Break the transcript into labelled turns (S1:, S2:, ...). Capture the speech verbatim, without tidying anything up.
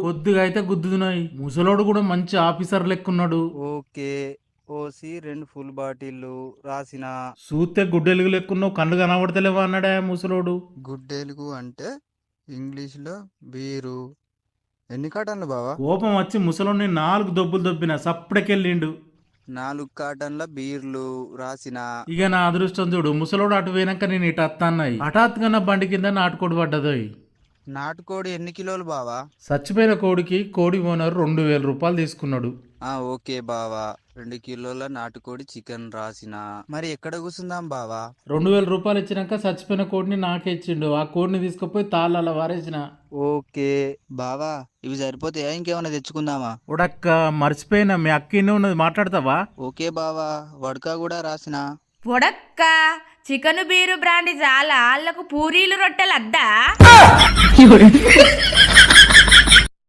S1: కొద్దిగా అయితే గుద్దుతున్నాయి. ముసలోడు కూడా మంచి ఆఫీసర్ లెక్కున్నాడు.
S2: ఓకే. ఓసి రెండు ఫుల్ బాటిల్లు రాసిన.
S1: చూస్తే గుడ్డెలుగు లెక్కున్నావు, కళ్ళు కనబడతలేవా అన్నాడా ముసలోడు.
S2: గుడ్డెలుగు అంటే ఇంగ్లీష్లో బీరు. ఎన్ని కాటన్లు బావా?
S1: కోపం వచ్చి ముసలోడిని నాలుగు దొబ్బులు దొబ్బిన సప్పుడకెళ్ళిండు.
S2: నాలుగు కాటన్ల బీర్లు రాసిన.
S1: ఇక నా అదృష్టం చూడు, ముసలోడు అటు పోయినాక నేను ఇటు అత్తాన్నాయి. హఠాత్తుగా నా బండి కింద నాటుకోడి పడ్డదోయ్.
S2: నాటుకోడి ఎన్ని కిలోలు బావా?
S1: చచ్చిపోయిన కోడికి కోడి ఓనర్ రెండు వేల రూపాయలు తీసుకున్నాడు.
S2: ఆ ఓకే బావా. రెండు కిలోల నాటుకోడి చికెన్ రాసిన. మరి ఎక్కడ కూర్చుందాం బావా?
S1: రెండు వేల రూపాయలు ఇచ్చినాక చచ్చిపోయిన కోడిని నాకే ఇచ్చిండు. ఆ కోడిని తీసుకుపోయి తాళ్ళ వారేసిన.
S2: ఓకే బావా, ఇవి సరిపోతాయా? ఇంకేమైనా తెచ్చుకుందామా?
S1: ఉడక్క మర్చిపోయినా, మీ అక్కినే ఉన్నది, మాట్లాడతావా?
S2: ఓకే బావా. వడక కూడా రాసిన.
S3: పొడక్క చికెను బీరు బ్రాండి చాలా, వాళ్ళకు పూరీలు రొట్టెలు అద్దా.